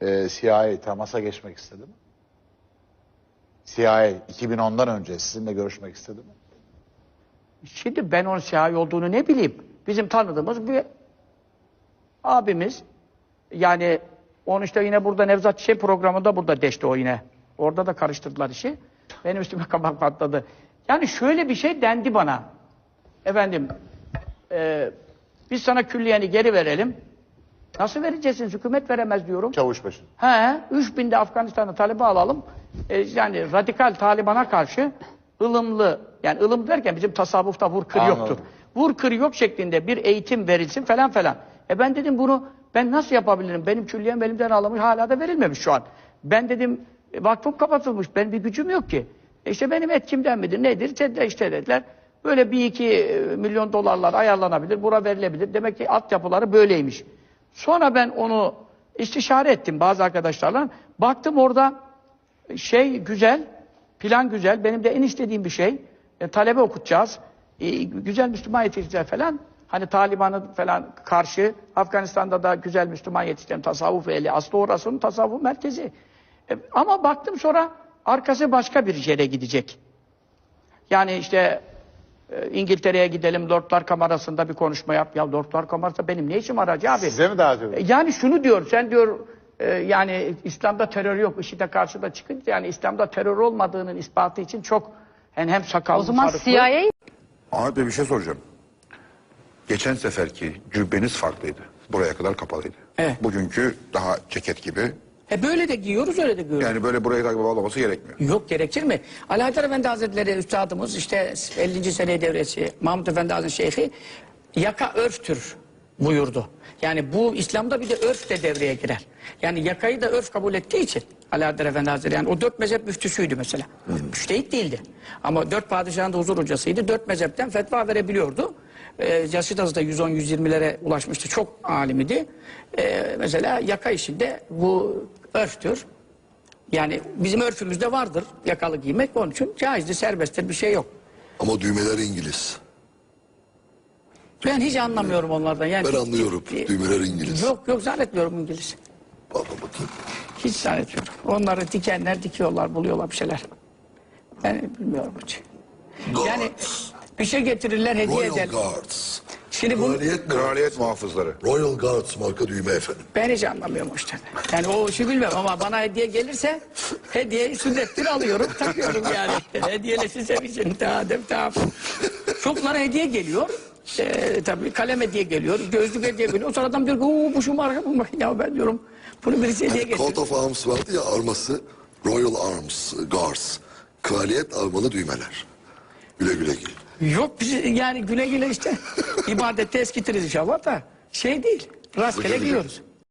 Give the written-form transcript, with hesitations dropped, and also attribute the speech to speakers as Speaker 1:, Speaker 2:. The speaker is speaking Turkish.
Speaker 1: CIA temasa geçmek istedi mi? CIA 2010'dan önce sizinle görüşmek istedi mi?
Speaker 2: Şimdi ben onun CIA olduğunu ne bileyim. Bizim tanıdığımız bir abimiz. Yani onu işte yine burada Nevzat Çiçek programında burada deşti o yine. Orada da karıştırdılar işi. Benim üstüme kabak patladı. Yani şöyle bir şey dendi bana. Efendim, biz sana külliyeni geri verelim. Nasıl vereceksiniz? Hükümet veremez diyorum.
Speaker 1: Çavuşbaşı.
Speaker 2: 3000'de Afganistan'da Taliban alalım. Yani radikal Taliban'a karşı ılımlı, yani ılım derken bizim tasavvufta vur kır yoktur. Vur kır yok şeklinde bir eğitim verilsin falan falan. Ben dedim bunu ben nasıl yapabilirim? Benim külliyem elimden alınmış, hala da verilmemiş şu an. Ben dedim vakfım kapatılmış, benim bir gücüm yok ki. İşte benim etkimden midir, nedir? İşte dediler. Böyle 1-2 milyon dolarlar ayarlanabilir, bura verilebilir. Demek ki altyapıları böyleymiş. Sonra ben onu istişare ettim bazı arkadaşlarla. Baktım orada şey güzel, plan güzel. Benim de en istediğim bir şey. Talebe okutacağız. Güzel Müslüman yetiştireceğiz falan. Hani Taliban'ı falan karşı Afganistan'da da güzel Müslüman yetiştiren tasavvuf ehli. Aslı orasının tasavvuf merkezi. Ama baktım sonra arkası başka bir yere gidecek. Yani işte İngiltere'ye gidelim, Lordlar Kamerası'nda bir konuşma yap. Ya Lordlar Kamerası benim ne işim var Hacı abi?
Speaker 1: Size mi davet ediyor?
Speaker 2: Yani şunu diyor, sen diyor yani İslam'da terör yok. IŞİD'e karşı da çıkınca yani İslam'da terör olmadığının ispatı için çok yani hem sakallı,
Speaker 3: o zaman
Speaker 2: sarıklı.
Speaker 3: CIA...
Speaker 4: Ahmet Bey bir şey soracağım. Geçen seferki cübbeniz farklıydı. Buraya kadar kapalıydı.
Speaker 2: Evet.
Speaker 4: Bugünkü daha ceket gibi.
Speaker 2: Böyle de giyiyoruz, öyle de giyiyoruz.
Speaker 4: Yani böyle buraya kadar bağlaması gerekmiyor.
Speaker 2: Yok, gerekir mi? Ali Haydar Efendi Hazretleri üstadımız işte 50. sene devresi Mahmud Efendi Hazretleri Şeyhi yaka örftür buyurdu. Yani bu İslam'da bir de örf de devreye girer. Yani yakayı da örf kabul ettiği için Ali Haydar Efendi Hazretleri yani o 4 mezhep müftüsüydü mesela. Müştehit değildi. Ama 4 padişahın da huzur hocasıydı. 4 mezhepten fetva verebiliyordu. Yaşı da 110-120'lere ulaşmıştı. Çok alimidi. Mesela yaka işinde bu örftür. Yani bizim örfümüzde vardır yakalı giymek, onun için caizdir, serbesttir, bir şey yok.
Speaker 5: Ama düğmeler İngiliz.
Speaker 2: Ben hiç anlamıyorum onlardan. Yani
Speaker 5: Ben anlıyorum. Düğmeler İngiliz.
Speaker 2: Yok zannetmiyorum İngiliz.
Speaker 5: Baba bakayım.
Speaker 2: Hiç zannetmiyorum. Onları dikenler dikiyorlar, buluyorlar bir şeyler. Ben bilmiyorum hiç. Yani bir şey getirirler, hediye
Speaker 5: Royal
Speaker 2: eder.
Speaker 5: Guards.
Speaker 2: Şimdi bunu
Speaker 4: Kraliyet muhafızları.
Speaker 5: Royal Guards marka düğme efendim.
Speaker 2: ben hiç anlamıyorum o işte. Yani o işi bilmem ama bana hediye gelirse hediye sünnettir alıyorum, takıyorum yani. Hediyeleşirse için tamam. Çoklara hediye geliyor. Tabii kalem hediye geliyor, gözlük hediye geliyor. Sonradan bir bu şu marka bu. Ya ben diyorum bunu birisi hediye getirdi.
Speaker 5: Coat of Arms vardı ya, arması Royal Arms Guards. Kraliyet armalı düğmeler. Güle güle giyin.
Speaker 2: Yok biz yani güle güle işte ibadette eskitiriz inşallah da şey değil. Rastgele giyiyoruz.